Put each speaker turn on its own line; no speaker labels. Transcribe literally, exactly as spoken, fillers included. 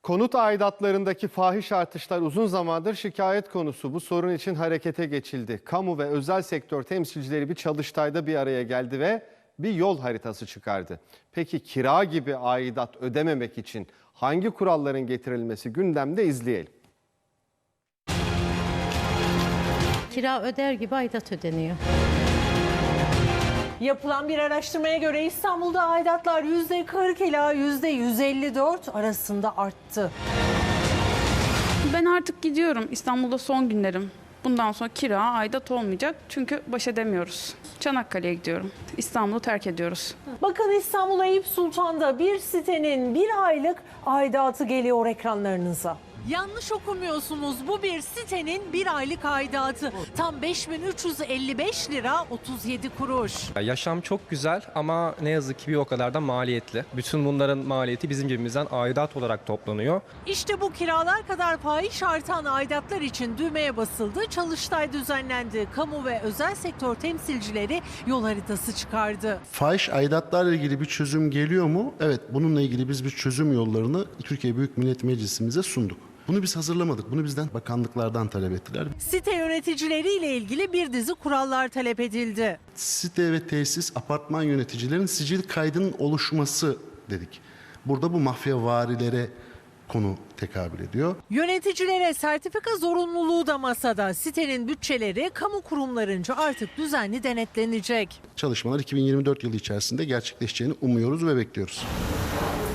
Konut aidatlarındaki fahiş artışlar uzun zamandır şikayet konusu. Bu sorun için harekete geçildi. Kamu ve özel sektör temsilcileri bir çalıştayda bir araya geldi ve bir yol haritası çıkardı. Peki kira gibi aidat ödememek için hangi kuralların getirilmesi gündemde, izleyelim.
Kira öder gibi aidat ödeniyor.
Yapılan bir araştırmaya göre İstanbul'da aidatlar yüzde kırk ila yüzde yüz elli dört arasında arttı.
Ben artık gidiyorum. İstanbul'da son günlerim. Bundan sonra kira, aidat olmayacak. Çünkü baş edemiyoruz. Çanakkale'ye gidiyorum. İstanbul'u terk ediyoruz.
Bakın İstanbul Eyüp Sultan'da bir sitenin bir aylık aidatı geliyor ekranlarınıza. Yanlış okumuyorsunuz. Bu bir sitenin bir aylık aidatı. Tam beş bin üç yüz elli beş lira otuz yedi kuruş.
Yaşam çok güzel ama ne yazık ki bir o kadar da maliyetli. Bütün bunların maliyeti bizim cebimizden aidat olarak toplanıyor.
İşte bu kiralar kadar fahiş artan aidatlar için düğmeye basıldı. Çalıştay düzenlendi. Kamu ve özel sektör temsilcileri yol haritası çıkardı.
Fahiş aidatlarla ilgili bir çözüm geliyor mu? Evet, bununla ilgili biz bir çözüm yollarını Türkiye Büyük Millet Meclisimize sunduk. Bunu biz hazırlamadık. Bunu bizden bakanlıklardan talep ettiler.
Site yöneticileriyle ilgili bir dizi kurallar talep edildi.
Site ve tesis, apartman yöneticilerin sicil kaydının oluşması dedik. Burada bu mafyavarilere konu tekabül ediyor.
Yöneticilere sertifika zorunluluğu da masada. Sitenin bütçeleri kamu kurumlarınca artık düzenli denetlenecek.
Çalışmalar iki bin yirmi dört yılı içerisinde gerçekleşeceğini umuyoruz ve bekliyoruz.